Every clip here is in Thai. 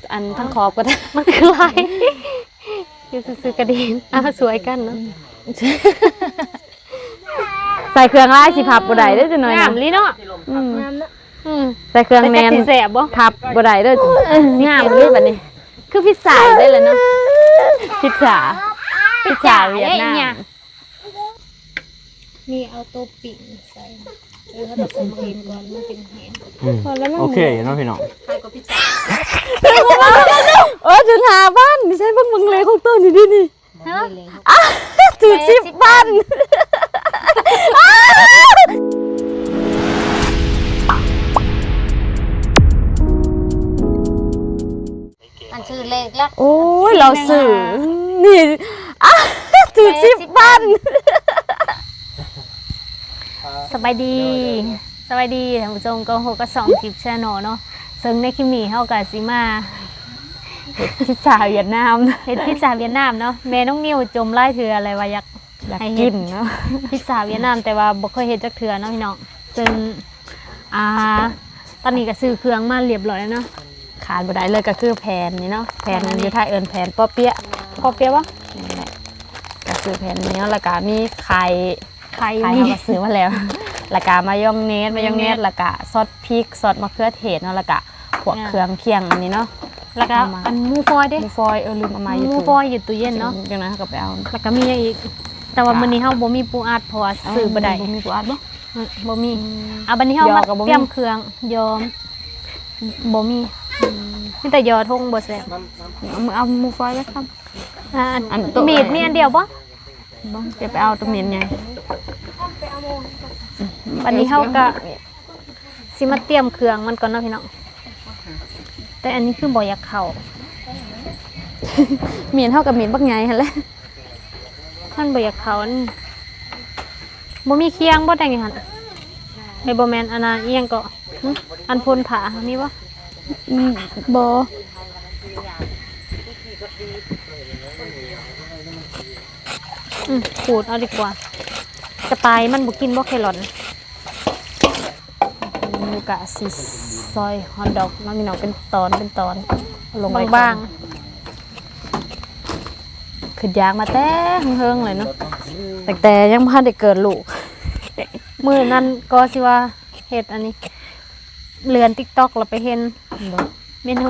อันทั้งขอบก็ได้มันคืออะไรอยู่ซื้อกระดิ่งสวยกันเนาะใส่เครื่องลายสิพับบ่ได้เด้อจังหน่อยงามลิเนาะใส่เครื่องแนนแสบบ่พับบ่ได้เด้องามเลยบัดนี้คือพิซซ่าได้แล้วเนาะพิซซ่าเวียดนามนี่เอาตัวปิ่งใส่ถ้าแบบใส่มาเองก่อนมันเป็นแห้งโอเคเนาะพี่น้องใครก็พิซซ่าถึงหาบ้านนี่ใช่เบิ่งเลยของต้นนี่ดินี่ฮะถึง10บ้านอันชื่อเลขละโอ้ยเราสื่อนี่ถึง10บ้านสบายดีท่านผู้ชมก็โหก็2คลิปแชนเนาะซึ่งในคลิปนี้เฮาก็สิมาพิซซ่าเวียดนามเฮ็ดพิซซ่าเวียดนามเนาะแม่น้องนิวจมไล่เถื่ออะไรว่าอยาก ให้เฮ็กิดนเนาะพิซซ่าเวียดนามแต่ว่าบ่เคยเฮ็ดจักเทื่อเนาะพี่น้องซึ่งตอนนี้ก็ซื้อเครื่องมาเรียบร้อยแล้วเนาะขาดบ่ได้เลยก็คือแผ่นนี่เนาะแผ่นอยู่ไทยเอิ้นแผ่นป้อเปี๊ยะพอเปียบ่นี่แหละก็คือแผ่นนี้แล้วก็มีไข่ไข่ไข่มีเขาก็ซื้อมาแล้ว แล้วก็มายองเนสแล้วก็ซอสพริกซอสมะเขือเทศเนาะแล้วก็พวกเครื่องเคียงอันนี้เนาะแล้วก็อันหมูฟอยเด้หมูฟอยลืมเอามาอยู่หมูฟอยอยู่ตู้เย็นเนาะจังนั้นก็ไปเอาแล้วก็มีอย่างอีก แต่ว่ามื้อนี้เฮาบ่มีปูอัดเพราะว่าซื้อบ่ได้มีปูอัดบ่บ่มีบัดนี้เฮามายอก็บ่มีเตรียมเครื่องยอมบ่มีมีแต่ยอทงบ่แซ่บเอาหมูฟอยไว้ครับ อันโต๊ะมีดมีอันเดียวบ่บ่เดี๋ยวไปเอาตัวเมียนไงบัดนี้เฮาก็สิมาเตรียมเครื่องมันก่อนเนาะพี่น้องแต่อันนี้คือบ่อยากเข้าเมียนเท่ากับเมียนบักไงหั่นแหละมันบ่อยากเข้าอันบ่มีเคียงบ่ได้ไงหั่นไอ้บ่แม่นอันน่ะอีหยังก็หึอันพ่นผามีบ่บ่ขูดเอาดีกว่า กระต่ายมันบ่กินบ่แครอทลูกกะสิซอยฮอทดอกมันมีหนองเป็นตอนลงไปบางขึ้นยางมาแต่เฮิงๆเลยเนาะแต่ยังบ่ทันได้เกิดลูกๆมื้อนั้นก็สิว่าเฮ็ดอันนี้เลือน TikTok แล้วไปเห็นเมนู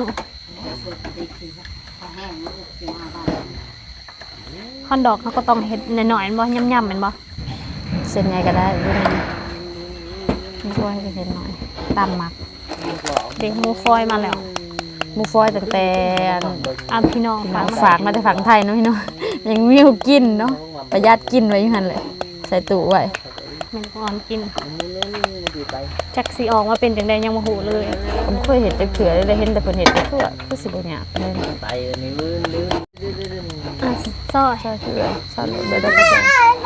ฮอนดอกเขาก็ต้องเฮ็ดหน่อยๆแม่นบ่ย่ำๆแม่นบ่เส้นไงก็ได้รุ่นนี้ไม่ช่วยให้เส้นหน่อยตามมักเด็กหมูฟอยมาแล้วหมูฟอยตั้งแต่พี่น้องฝากมาแต่ฝั่งไทยเนาะพี่เนาะยังมีอยู่กินเนาะประหยัดกินไว้อยู่หั่นเลยใส่ตู้ไว้แม่นก่อนกินจักสิออกมาเป็นจังได๋ยังบ่ฮู้เลยผมเคยเห็นแต่เขือเลยเห็นแต่เพิ่นเห็นคือสิบ่ยากเลยไปนี่ลืมซอยใช่เขือใช่เลยได้ก็ใช่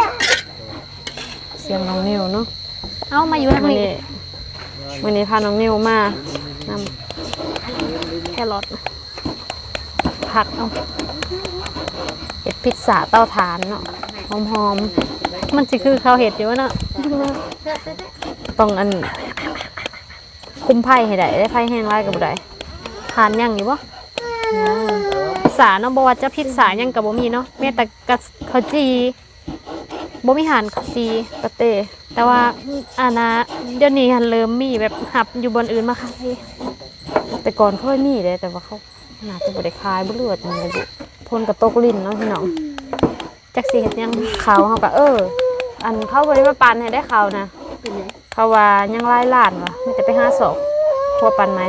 เสียงน้องนิวเนาะเอามาอยู่ทางนี้วันนี้พาน้องนิวมานำแครอทผักเอาเห็ดพิซซ่าเตาถ่านเนาะหอมมันสิคือข้าวเห็ดอยู่วะเนาะๆต้องอันคุมไผ่ให้ได้ไผ่แห้งไล่กับบ่ได้ทานยังอยู่บ่พิซซ่าเนาะบ่ว่าจะพิซซ่ายังก็บ่มีเนาะแม้แต่กะข้าวจีบ่มีหานข้าวจีกระเต้แต่ว่าอันน่ะเดี๋ยวนี้หันเริ่มมีแบบหับอยู่บนอื่นมาขายแต่ก่อนเคยมีเลยแต่ว่าเขาน่าจะบ่ได้ขายบ่เลือดมันเลยบุพ่นกระตกลิ้นเนาะพี่น้องจักสิเฮ็ดยังเขาเฮาก็อันเขาบ่ได้มาปันให้ได้เขานะเขาว่ายังหลายล้านว่ะมีแต่ไปหาศอกพวกปันไหม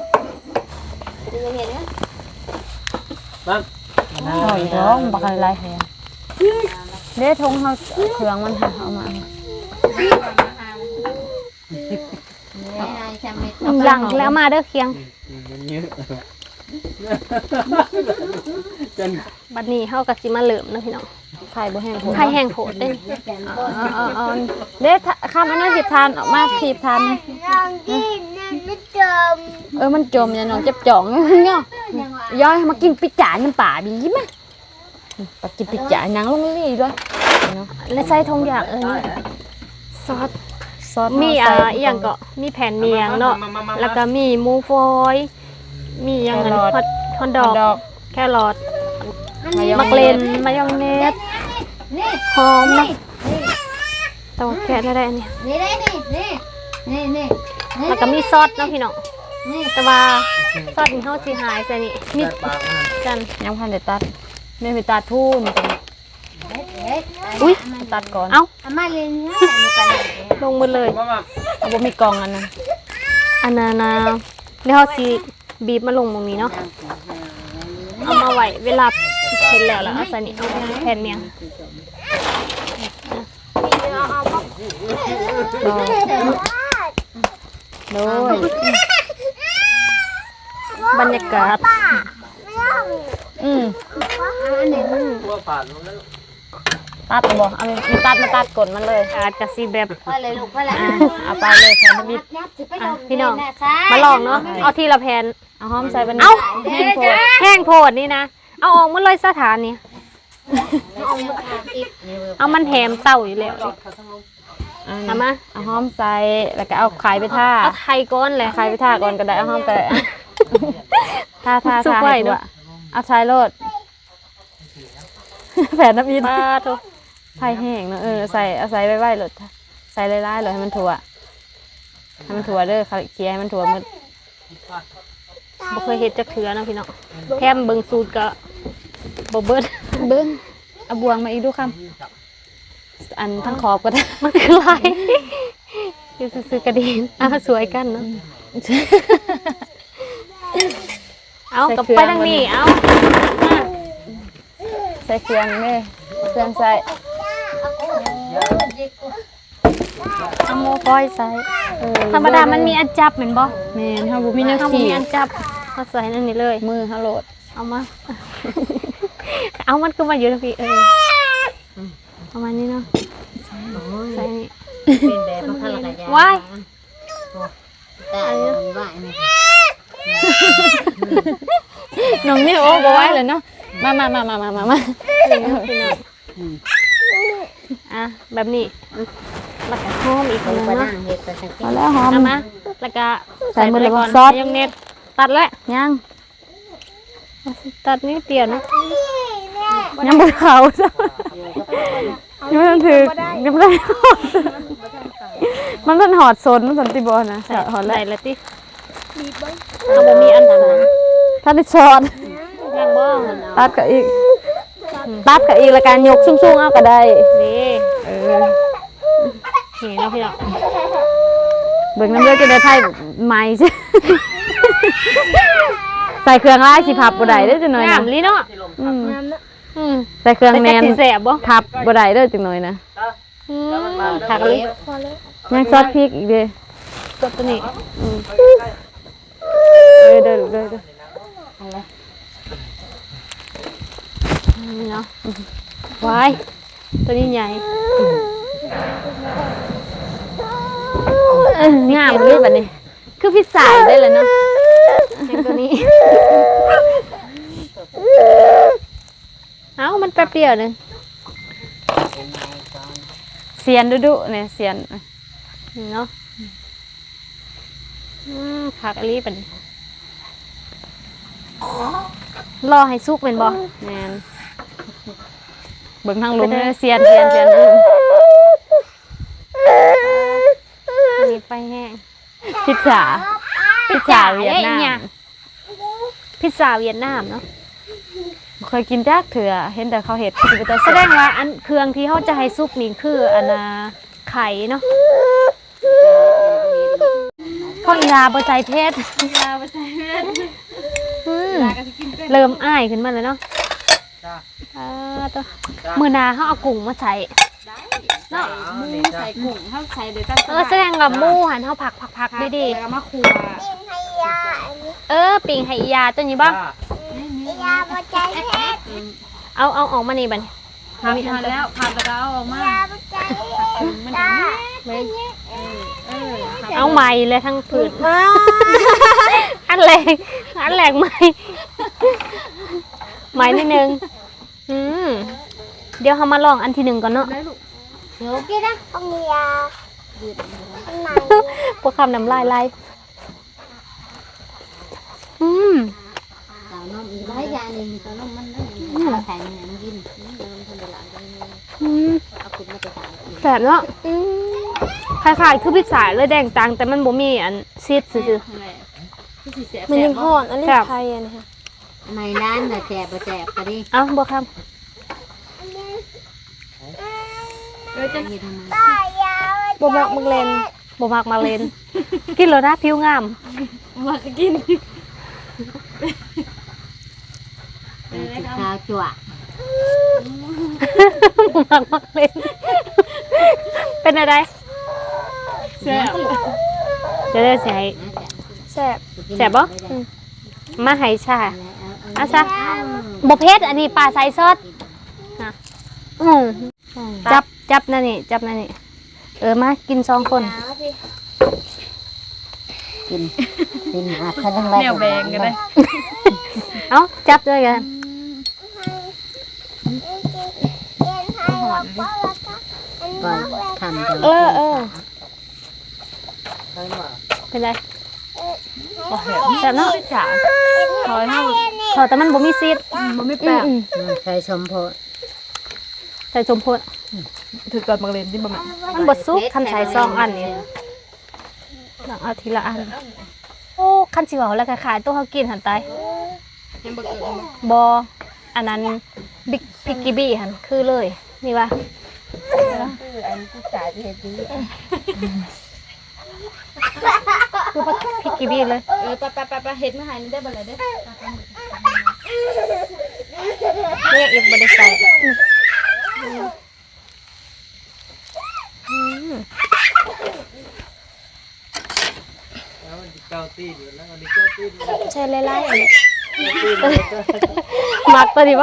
นั่นเอาอีกแล้วบักอะไรแฮงเด้ทงเฮาเครื่องมันหาเอามาหลังแล้วมาเด้อเคียงเยอะจนบัดนี้เฮาก็สิมาเริ่มเนาะพี่น้องไข่บ่แห้งโพดไข่แห้งโพดเด้เอาเด้ข้ามอันนั้นสิทานออกมาถีบทานนะมันจมอย่าน้องเจ็บจ่องเนาะย้อยมากินปิจ่าน้ำป่าดีมั้ยไปกินปิจ่าหนังลงลี่ด้วยเนาะและใส่ทงอย่างซอสมีอีหยังก็มีแผ่นเมียงเนาะแล้วก็มีหมูฟอยมีหยังอันแคฮอนดอกดอกแครอทมายองมักเลนมายองเนสหอมนะแต่ว่าแกะได้อันนี้แล้วก็มีซอสเนาะพี่น้องแต่ว่าซอสนี่เฮาสิหายใส่นี่มีปากมันกันยังพันเดตัดไม่ไปตัดทูนอุ้ยตัดก่อนเอ้ามาเรียนเนี่ยลงหมดเลยมาเอาบ่มีกล่องอันนั้นอันนั้นนะเดี๋ยวเฮาสิบีบมาลงตรงนี้เนาะเอามาไว้เวลาเห็นแล้วเอาใส่นี่เอาแผ่นเมียงโดยบรรยากาศอืมตัวผ่านมันแล้วตัดบ่เอามีตัดมาตัดกดมันเลยอาจจะสิแบบพ่อเลยลูกพ่อละเอาไปเลยแผ่นบิดพี่น้องมาลองเนาะเอาทีละแผ่นเอาหอมใส่บันเอ้าแห้งโพดแห้งโพดนี่นะเอาออกมาเลยสถานนี่เอามันแถมเต่าอยู่แล้วเอามาเอาหอมใส่แล้วก็เอาไข่ไปท่าเอาไทยก้อนเลยไข่ไปท่าก่อนก็ได้เอาหอมไปท่าสุกไว้เนอะเอาใช้โลดแผ่นน้ำอินปลาทุกไผ่แห้งเนอะใส่เอาใส่ไว้ๆโลดใส่ไล่ๆเลยให้มันถั่วเด้อเคลียร์ให้มันถั่วมันบ่เคยเห็ดจักเถือนะพี่น้องแถมเบิ่งสูตรก็บ่เบิดเบิ้งเอาบวงมาอีกดูคำอันทั้งขอบก็ได้มันคืออะไรอยู่ซื้อกระดินสวยกันเนาะเอากลับไปทางนี้เอาใส่เครื่องเลยเครื่องใส่เอาโมก้อยใส่ธรรมดามันมีอันจับเหมือนบ่แม่นเฮาบ่มีแนวเอาบ่ขี่มีอันจับมาใส่นั่นนี่เลยมือเฮาโหลดเอามา เอามันก็มาอยู่นะพี่ประมาณนี้เนาะใส่นี่เป็นแบบพ่อละกันว้ายแต่ว่าน้องนี่โอ้บ่ไหวเลยเนาะมาพี่น้องอ่ะแบบนี้แล้วก็หอมอีกผมนึงก็เนาะนั่งเฮ็ดไปสักทีเอาแล้วหอมเอามาแล้วก็ใส่มือเลยก่อนซอสมายองเนสตัดแล้วยังตัดนิดเดียวนะยังบ่เข้าซะยังไม่ทันถึงยังไม่ได้มันหอดซนมันสันติบ่นะหอดแล้วใส่ละติเอาบ่มีอันสั่นถ้าได้ช็อตยังบ่ตัดกับอีกแล้วการยกสูงๆเอาก็ได้นี่ นี่เนาะพี่น้องเบิ่งน้ำเลือดจะได้ไพ่ใหม่ใช่ ใส่เครื่องไล่สิพับบ่ได้เด้อจังหน่อยงานะมลีเนาะอืมอืมใส่เครื่องแนนสิแสบบ่พับบ่ได้เด้อจังหน่อยนะถักเลยยังซอสพริกอีกเด้อกดตัวนี้เด้อเด้อนี่เนาะวายตัวนี้ใหญ่งามเลยบัดนี้คือพิซซ่าได้เลยเนาะอย่างตัวนี้ เอ้ามันแป๊บเดียวนึงเสียนดุๆเนี่ยเสียนนี่เนาะผักอันนี้เป็นรอให้สุกเป็นบ่แม่นเบิ่งทางลุมเลยเสียนอันนี้ไปแห้งพิซซ่าเวียดนามพิซซ่าเวียดนามเนาะเคยกินจักเถื่อเห็นแต่เขาเห็ดคือเป็นตาแสแสดดงว่าอันเครื่องที่เขาจะให้สุกนี่คืออันน่ะไข่เนาะข้าวอีลาบะใจเพชรเริ่มอ้ายขึ้นมาแล้วเนาะตัวมือหนาเขาเอากุ้งมาใส่เนาะใส่กุ้งเฮาใส่เลยตั้งแสดงกับหมูหันเขาผักด้วยดิแล้วมาครัวปิ่งให้อียาตัวนี้บ้างเอาออกมานี่บัดนพับมาแล้วพับแล้วเอาออกมามันเอาไม้เลยทั้งผืนอันแรงไม้นิดนึงเดี๋ยวเขามาลองอันที่หนึ่งก่อนเนาะเดี๋ยวกินนะต้องมียาพวกคำน้ำลายไหลสาวนมตอนนั้นมันได้แข็งเนี่ยมันกินมันทำเวลาได้เอาคุณมาไปตามแสบเนาะคล้ายๆคือพิซซ่าเลยแดงตังแต่มันบ่มีอันซีดซื่อมันยังห่อนอันนี้ไทยอันนี้ค่ะในร้านน่ะแจบบ่แจบก็ดิๆเอ้าบ่ครับจะเฮ็ดทำไมบ่มักมักเลนบ่มักมาเลน กินแล้วนะผิวงามมากินข้าวจั่วบ่มักมาเลน เป็นอะไรแซ่บจะได้สิให้แซ่บแซ่บบ่มาให้ชาอาซะบ่เผ็ดอันนี้ปลาใส่ซอสนะจับนั่นนี่จับนั่นนี่มากิน2 คนกินอาคันทั้งแนวแบงกันเลยเอ้าจับด้วยกันก่อนทำเป็นไรแซ่บเนาะจ้ะถอยแต่มันบ่มีซีดมันไม่แปลกใส่สมโพธิใส่สมโพธิถือก่อนมักเลนที่บ่แม่มันบ่สุกคันใส่2 อันนี่ต้องเอาทีละอันโอ้คันสิเว้าแล้วก็ขายตัวเฮากินหั่นตายบ่อันนั้นบิ๊กพิกกี้บี้หั่นคือเลยนี่ว่าอันที่จ่ายเฮ็ดดีคือพิกกี้บี้เลยไปเฮ็ดมาให้ได้บ่ล่ะเด้อเนี่ยอีกบ่ได้ใส่แล้วมันเก้าตีนแล้วมันเก้าตีนใช่ไล่ๆอันนี้มักตัวนี้บ่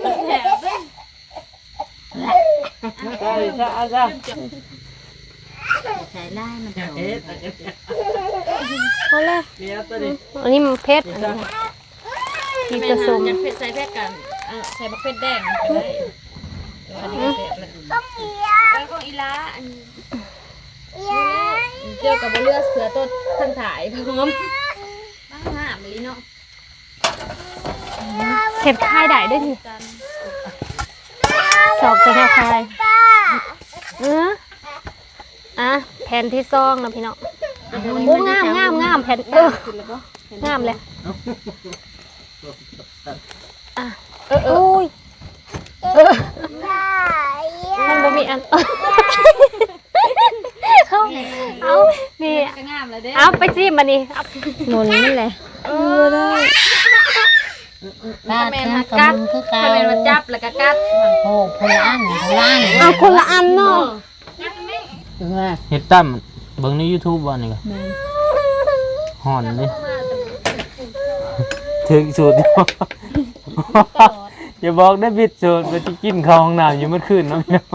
ใช่ใช่ใช่ใส่ได้มันจะเฮ็ดพอแล้วเนี่ยตัวนี้อันนี้มันเผ็ดมีกระสุมเผ็ดใส่เผ็ดกันใส่บักเผ็ดแดงก็ได้อันนี้ก็ของอีลาอันเกี่ยวกับเลือดเสือต้นทั้งถ่ายพร้อมบ้างหามลีเนาะเผ็ดคายได้ด้วยนี่สอบเป็นแนวคายแผ่นที่2นะพี่น้องโอ้งามแผ่นงามเลยโอ้ยมันบ่มีอันเอานี่ก็งามเลยเด้เอาไปจิ้มมานี่หมุนนี่แหละได้บ้านกัดคือเก่าถ้าแม่นว่าจับแล้วก็กัดโอ้พลานเอาคนละอันเนาะเฮ็ดตั้มเบิ่งใน YouTube บ่นี่ก็ห่อนดิถึงสูตรอย่าบอกได้ผิดสูตรไปที่กินข้าวห้องน้ำอยู่เมื่อคืนเนาะพี่น้อง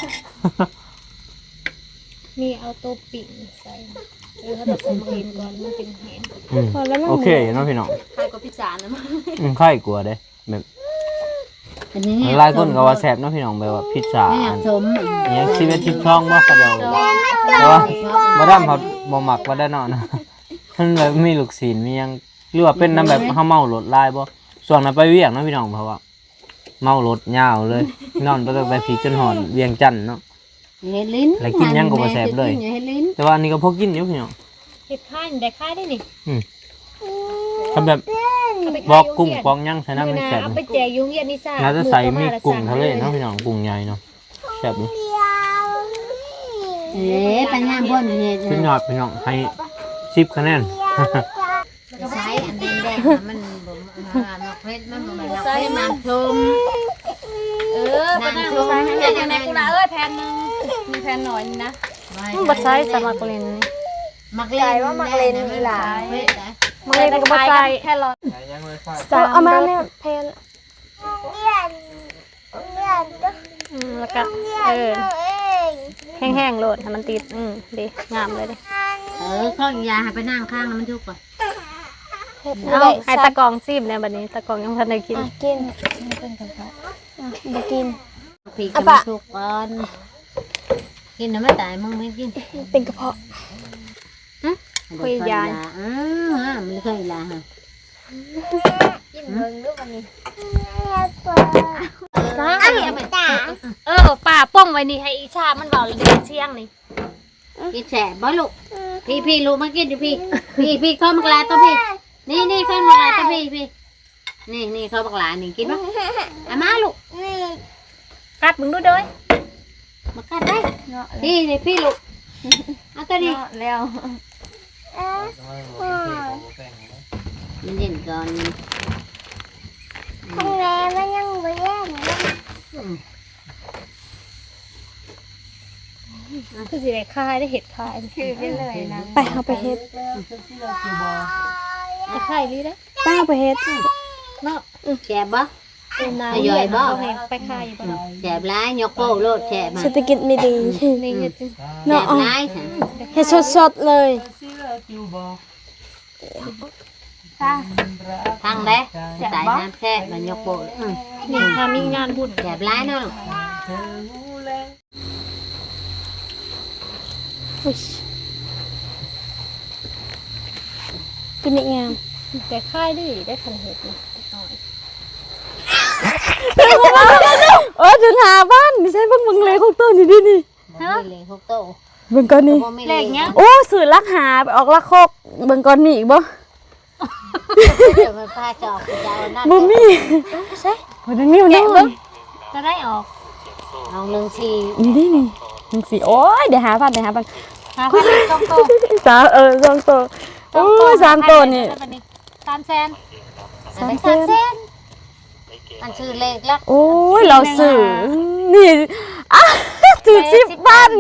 มีเอาตัวปิ่งใส่เขาจะต้มกินก่อนมันเป็นแห้งโอเคเนาะพี่น้องใครก็พิจารณามั้งไข่กลัวเด้แบบหลายคนก็ว่าแซ่บเนาะพี่น้องแบบว่าพิซซ่าอันสมยัง11 12บ่ก็เดียวแต่ว่าบ่ดำเขาบ่มักบ่ได้เนาะนะมันแบบมีลูกศีลมีหยังหรือว่าเป็นน้ำแบบเฮาเมารถลายบ่ส่วนนั้นไปเวียงเนาะพี่น้องเพราะว่าเมารถยาวเลยนอนไปตั้งแต่พีจนหอนเวียงจันทน์เนาะเฮ็ดลิ้นแล้วกินยังก็บ่แซ่บเลยเฮ็ดลิ้นแต่ว่าอันนี้ก็พอกินอยู่พี่น้องเห็ดข้ายได้ข้ายได้นี่ทำแบบบอกกุ้งปองยังใส่น้ำไม่แซ่บเอาไปแจกยุงเยียนนิซ่าน่าจะใส่มีกุ้งทะเลเนาะพี่น้องกุ้งใหญ่เนาะแซ่บเลยปัญญาบ่นเฮ็ดขึ้นยอดพี่น้องให้10คะแนนใช้อันแดงๆมันบ่มักเฮ็ดมันบ่แม่นมักเฮ็ดน้ำชมไปนั่งใส่ให้อย่างในกูนะแผ่นนึงมีแผ่นหน่อยนะมันบ่ใส่สมัครเล่นนี่มักเล่นว่ามักเล่นนี่ล่ะมันเลยก็บ่ใส่แค่รอเอามาเนี่ยเพนแล้วก็แห้งๆโลดให้มันติดดีงามเลยดิข้างยาให้ไปนั่งข้างแล้วมันทุกข์ก่อนเอาให้ตะกองซิมเนี่ยบัดนี้ตะกองยังทันได้กินกินบ่กินผีก็มันทุกข์ก่อนกินแล้วไม่ตายมึงไม่กินเป็นกระเพาะคุยยามันเคยลาฮะป่าป้องไว้นี่ให้อีชามันเบาเลยเดินเชียงนี่กินแฉบ่ลูกพี่ลูกมากินอยู่พี่ข้าวมักลาตัวพี่นี่ข้าวมักลาตัวพี่นี่ข้าวมักลานี่กินปะอามาลูกกัดมึงดูเด้ยมากัดได้พี่ลูกเอาตัวนี้แล้วมันเย็นก่อน Không nghe với nhân với em คือสิได้คายได้เห็ดคายคือไปเลยนะไปเอาไปเฮ็ดจะคายดีได้ไปเอาไปเฮ็ดเนาะแฉบบ่เป็นน้ำย่อยบ่ไปคายบ่แฉบร้ายยกโป้โลดแฉบมาเศรษฐกิจไม่ดีนี่เฮ็ดแฉบร้ายค่ะเฮ็ดสดๆเลยทางเด้สายน้ำแฉบมันยกโป้นี่ถ้ามีงานบุญแฉบร้ายเนาะอุ๊ยกินอีกงามแต่คายดิได้คันเห็ดนี่น้อยถึงหาบ้านนี่ใช่เบิ่งเลยของตัวนี่ดินี่เลี้ยงพวกโตเบิ่งก่อนนี่แรกเนี้ยโอ้สื่อลักหาไปออกลักโคกเบิ่งก่อนนี่อีกบ่เดี๋ยวมันพาจอกจะเอานั่นบ่มีใช่บ่ได้นิ้วนี่เบิ่งจะได้ออกเอาหนึ่งทีนี่ดินี่จังสิโอ้ยเดี๋ยวหาพันหาพันต้องโตสามสองตัวโอ้ยสามตัวนี่ 3แสน 300,000 มันชื่อเลขลักโอ้ยเราสื่อนี่อ่ะถึง10,000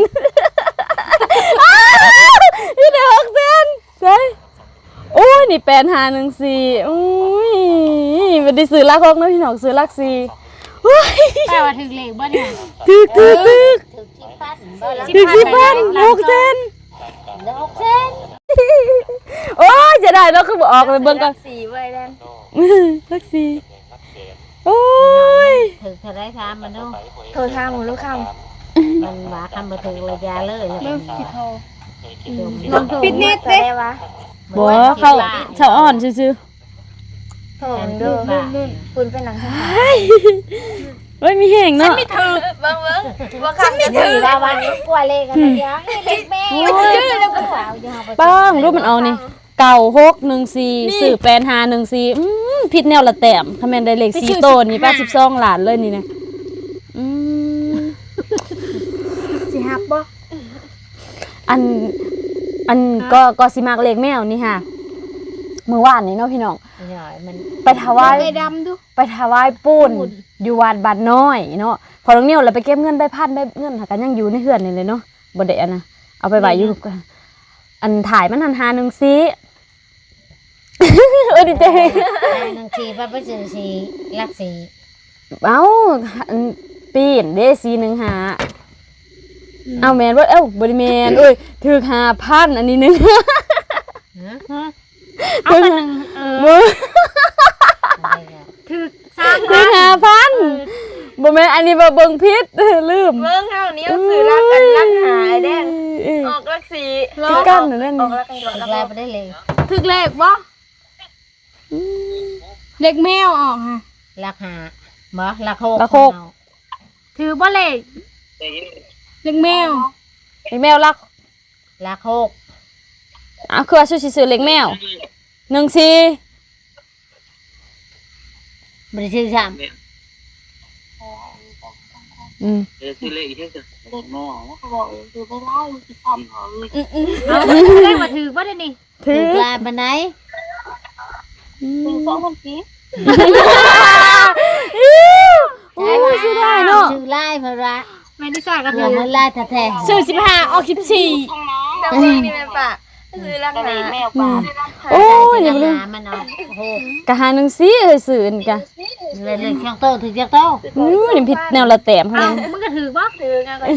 นี่ได้600,000ใช่โอ้ยนี่8514โอ้ยบ่ได้ซื้อลัก6นะพี่น้องซื้อลัก4โอ้ยแปลว่าถึงเลขบ่เนี่ยถึกถึงที่พันบ่ละถึก10,000 6เซนเดี๋ยว6 โอ้ยจะได้แล้วคือบ่ออกเลยเบิ่งก่อน Xì vậy đen ลัก4โอ้ยถึงเท่าไรทำมันดู Thôi tha một lúc không มันมาทำมาถึงระยะเลย Pít nít đấy บ่เขาเฉาอ่อนซื่อ Thôi đưa Phun phải nắng không ๆเฮ้ยมีแห้งเนาะ Vâng vâng Vâng không Thì ra bạn qua lê cái này giá Lê mẹ Chứ đâu có bảo cho học ป้องรูปมันเอานี่เก่า614สื่อ8514ผิดแนวละแต้มคะแนนได้เลข4โตวนี่82ล้านเลยนี่นะ Chị học bó อันก็สิมักเลขแมวนี่ค่ะมื้อวานนี่เนาะพี่น้องหน่อยมันไปถวาย Mẹ đâm đu ไปถวายปูนอยู่วัดบ้านน้อยเนาะพอน้องนิ้วเราไปเก็บเงินใบพันใบเงินหากันยังอยู่ในเฮือนนี่เลยเนาะบ่ได้อันน่ะเอาไปไว้อยู่อันถ่ายมันหันหาหนึงสิดีใจหนึ่งทีป้าไปซื้อสีลักสีเอ้าอันปีนเด้415เอาแม่นบ่บ่ได้แม่นเอ้ยถูก5,000อันนี้นึงเอาไปนึงบ่ถึกถูก5,000บ่แม่นอันนี้บ่เบิ่งผิดลืม Vâng hao níu xử lắc cân lắc hải đen Ốc lắc xì คือกันนั่นนี่ Ốc lắc cân ลายไปได้เลย Thực lệch bó Lệch mèo ỏ hả ลักหาบ่ลักโคกถือบ่เลข Lệch mèo เลขแมวลักลักโคกคือว่าสิซื้อเลขแมว14 บริชื่อซ้ำเลขว่าถือบ่ได้นี่ถือลายไปไหนโอ้ยสิได้เนาะชื่อลายเพระแม่ที่ซ่าก็เดี๋ถืยวอมันลายแท้ซื้อ15ออก14 Đâm đi đi mẹ bà Xử lắc hải โอ้ยๆอย่าลืมหามันเอาโอ้โหกะหา14เอ้ยซื้อนี่กะเลยช่างโตถึงจะโตนี่ผิดแนวละแต้มเฮามึงก็ถือบ่ถืองานก่อน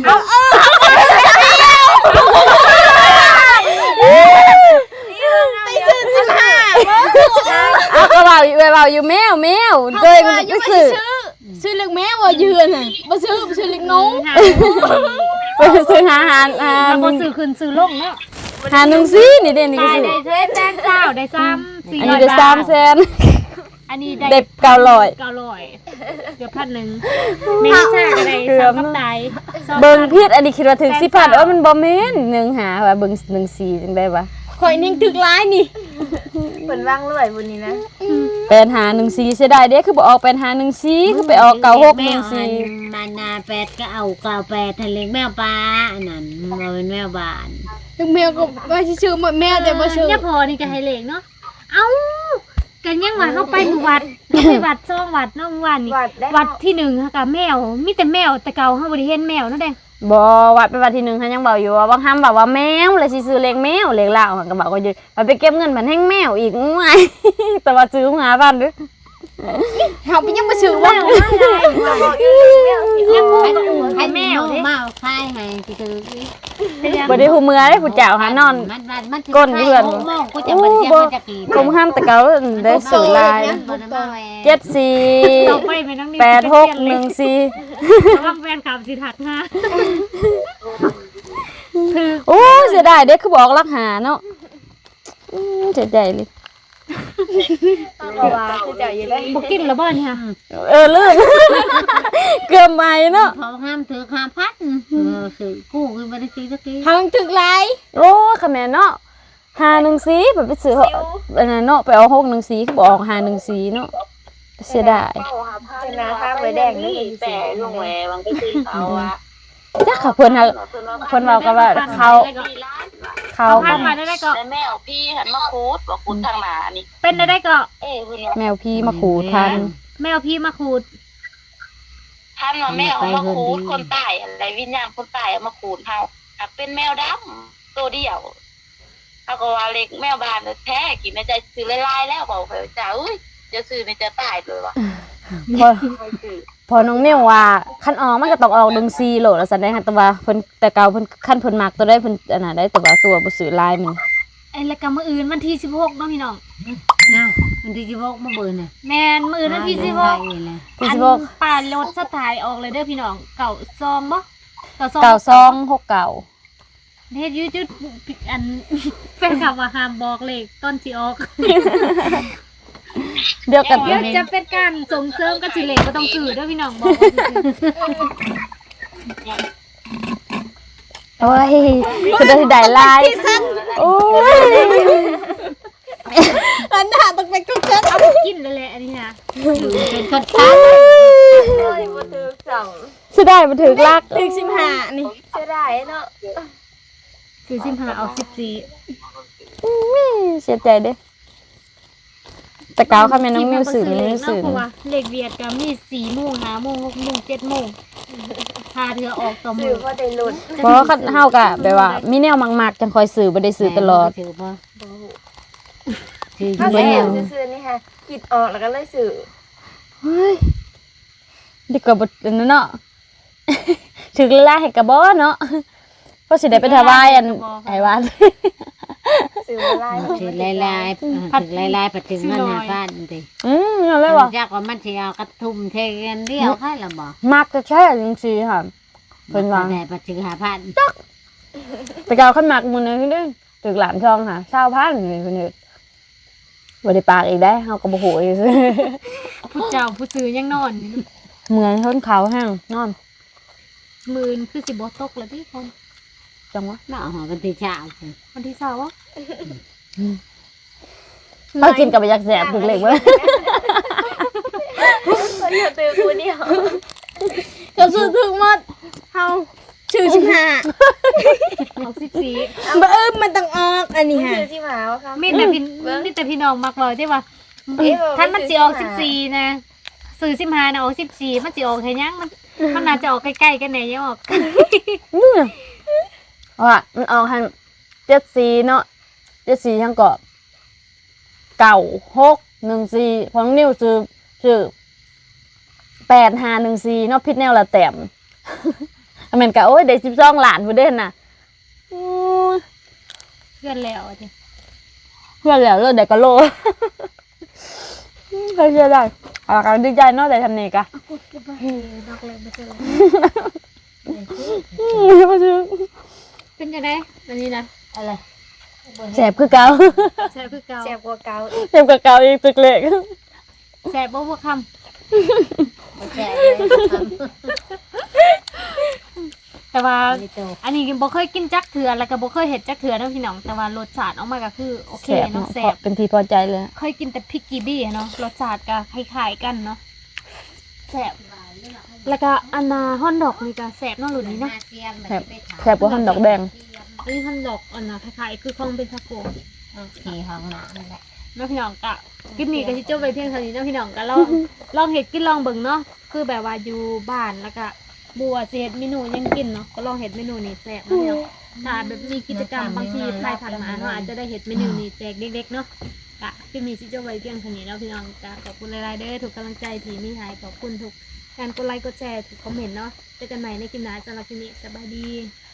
Tay sư chim hà เอาก็เว้าอยู่เว้าอยู่แมวเจ้ยมันไปซื้อ Sư lực mèo ở dừa này Bà sư lực nấu ไปซื้อหาแล้วบ่ซื้อขึ้นซื้อลงเนาะหา14นี่เด้นี่ก็ได้ซื้อได้แสนเศร้าได้3 อันนี้ได้3แสนอัอันนี้ได้900 เกือบ1,000แม่ซ่าก็ได้สองกับไดเบิ่งผิดอันนี้คิดว่าถึง10,000มันบ่แม่น1หาว่าเบิ่ง14จังได๋วะข่อยนิ่งตึกร้ายนี่เพิ่นวางรวยบุญนี่นะเป็นหา14เสียดายเด้คือบ่ออกเป็นหา14คือไปออก9614 มันนาแปดก็เอา98ทะเลแมวปลาอันนั้นมันเป็นแมวบ้านถึงแมวก็ว่าสิชื่อหมดแมวแต่บ่ชื่อเนี่ยพอนี่ก็ให้เลขเนาะเอ้ากันยังว่าเขาไปหมู่วัดไปวัดซ่องวัดเนาะเมื่อวานนี่วัดที่1ค่ะกับแมวมีแต่แมวแต่เก่าเฮาบ่ได้เห็นแมวเนาะแดงบ่วัดไปวัดที่1เขายังบอกอยู่ว่าบางคำบอกว่าแมวเลยสิซื้อเลขแมวเลขลาวเขาก็บอกว่าอยู่ไปเก็บเงินมันแห้งแมวอีกง่าย แต่ว่าซื้อมาบ้านเด้อเฮาไปยังบ่ชื่อว่าให้แมวเด้มาคายให้ที่คือบ่ได้ฮู้เมื่อได้ผู้เจ้าหานอนมันก้นเพื่อนโมงก็จะมาเที่ยวจะกี่คมห้ามแต่เก่าได้ซื้อลายต่อไปไม่ต้องนี่ 748614 ระวังแฟนคลับสิทักหาโอ้เสียดายเด้คือบอกรักหาเนาะเสียใจเลยก็ว่าคือเจ้าอยู่เลยบ่กินแล้วบ่เนี่ยลืม เกือบใหม่เนาะเขาห้ามถือห้ามพัดซื้อกู้คือไม่ได้ซื้อสักทีเฮาตึกร้ายโอ้คะแม่เนาะ514แบบไปซื้ออันนั้นเนาะไปเอา614คือบ่ออก514เนาะเสียดายเป็นนาข้างไว้แดงนี่แต่ลงแหวบางก็คือเขาอ่ะจักค่ะเพิ่นน่ะเพิ่นเว้ากันว่าเขาพันมาได้ก็แม่เอาพี่หันมาคูดบอกคูดทางหนานี่เป็นได้ก็แมวพี่มาขู่ทันแมวพี่มาขูดท่านว่าแม่เอามาคูดคนตายอะไรวิญญาณคนตายเอามาคูดเฮาหากเป็นแมวดำตัวเดียวเขาก็ว่าเล็กแมวบานแท้กินในใจซื้อลายๆแล้วบอกเขาจ้าอุ้ยจะซื้อในจะตายเลยวะพอน้องเนี่ยวว่าคันออกมันก็ต้องออก14โหลแล้วซั่นได้ค่ะแต่ว่าเพิ่นแต่เก่าเพิ่นคันเพิ่นมักตัวได้เพิ่นอันน่ะได้แต่ว่าตัวบ่ซื้อลายมันไอ้ละกรรมมื้ออื่นวันที่16เนาะพี่น้องน้ามันที่จะบอกมาเบิ่นน่ะแม่นมื้ออื่นวันที่16 ที่อัน 16 ป่ารถสถายออกเลยเด้อพี่น้องเก่าซองบ่ 9269 เฮ็ดยูจุดอัน แฟนคลับว่าห้ามบอกเลขตอนสิออกเดียวกันเดี๋ยวจะเป็นการส่งเสริมกันสิเลขบ่ต้องซื้อเด้อพี่น้องบอกว่าซื่อโอ้ยคือได้ลายโอ้ยอันน่ะต้องเป็นทุกชั้นๆเอาไปกินเลยแหละอันนี้นะเป็นคนตายเลยบ่ตึก2 สิได้บ่ถึกลักตึก15นี่เสียดายเนาะซื้อ15เอา14 เสียใจเด้แต่เก่าค่ะแม่น้องมิวซื้อมันมิวซื้อเพราะว่าเลขเวียดก็มี4โมง5โมง6โมง7โมงพาเธอออกต่อมืซื้ออบ่ได้ลุ้นเพราะว่าเฮาก็แบบว่ามีแนวมักๆจังคอยซื้อบ่ได้ซื้อตลอดถือบ่ถือถ้าแล้ซื้วอนี่ค่ะคิดออกแล้วก็เลยซื้อเฮ้ยดีกว่าบ่อันนั้นเนาะ ถึกลาให้กระบ่เนาะเพราะสิได้ไปถวายอันไอ้วัดซื้อบ่ได้ถือลายๆถือลายๆไปถึงมันหาบ้านดินั่นเลยว่ะจากว่ามันสิเอากระทุ่มเทกันเดียวใครล่ะบ่มักจะแช่จังซี่ค่ะเพิ่นว่าแต่ไปถึงหาพันแต่เก่าคันมักมื้อนึงเด้อถึกหลานช่องค่ะ20,000นี่เพิ่นเฮ็ดบ่ได้ปากอีกได้เฮาก็บ่ฮู้อีกผู้เจ้าผู้ซื้อยังนอนอยู่เหมือนทนเขาแห้งนอนมื้อนคือสิบ่ตกแล้วพี่คนจังวะมาหอกันที่เช้าวันที่20อ่ะเขากินกับอยากแสบถึกเล็กเว้ยคนเดียวตื้อกูเดียวก็ซื้อถึงหมดเฮาชื่อ15 เอา14 บ่มันต้องออกอันนี้ค่ะชื่อ15ว่าค่ะมีแต่พี่น้องมักเว้าที่ว่าท่านมันสิออก14นะซื้อ15นะออก14มันสิออกแค่ยังมันน่าจะออกใกล้ๆกันแน่ยังออกว่ามันออกทาง74เนาะ74ทางเกาะ9614พอน้องนิ้วซื้อ8514เนาะพิษแนวละแต้ม อเมนกะโอ้ยได้12ล้านพุ่นเด้น่ะโอ้ยเพื่อนแล้วอะดิเพื่อนแล้วเลยได้ก็โล เคยเชื่อได้เอาละกันดีใจเนาะได้ทำนี่กะดอกเล็กไม่ใช่บ่ซื้อเป็นจังได๋อันนี้นะอะไรแสบคือเก่าแซ่บคือเก่าแซ่บกว่าเก่าอีกแสบกว่าเก่าอีกตึกเล็กแซ่บบ่พวกคำบ่แซ่บเลยทแต่ว่าำนี่โตอันนี้บ่เคยกินจักเถื่อแล้วก็บ่เคยเห็ดจักเถื่อเนาะพี่น้องแต่ว่ารสชาติออกมาก็คือโอเคแซ่บเนาะเนาะแซ่บเป็นที่พอใจเลยเคยกินแต่พริกกีบี้เนาะรสชาติก็คล้ายๆกันเนาะแซ่บแล้วก็อันนาฮอนดอกนี่ก็แซ่บเนาะรุ่นนี้เนาะแซ่บแซ่บกว่าหั่นดอกแดงอันนี้ฮอนดอกอันน่ะคล้ายๆคือของเป็นทาโกขี่ห้องน้ำนั่นแหละเนาะพี่น้องก็คลิปนี้ก็สิจบไปเพียงเท่านี้เนาะพี่น้องก็ลองเฮ็ดกินลองเบิ่งเนาะคือแบบว่าอยู่บ้านแล้วก็บัวสิเฮ็ดเมนูหยังกินเนาะก็ลองเฮ็ดเมนูนี้แซ่บเนาะพี่น้องถ้าแบบมีกิจกรรมบางทีภายผ่านมาเนาะอาจจะได้เฮ็ดเมนูนี้แจกเด็กๆเนาะก็คลิปนี้สิจบไว้เพียงเท่านี้เนาะพี่น้องก็ขอบคุณหลายๆเด้อทุกกำลังใจที่มีให้ขอบคุณทุกการกดไลค์กดแชร์ทุกคอมเมนต์เนาะเจอกันใหม่ในคลิปหน้าสำหรับคลิปนี้สบายดี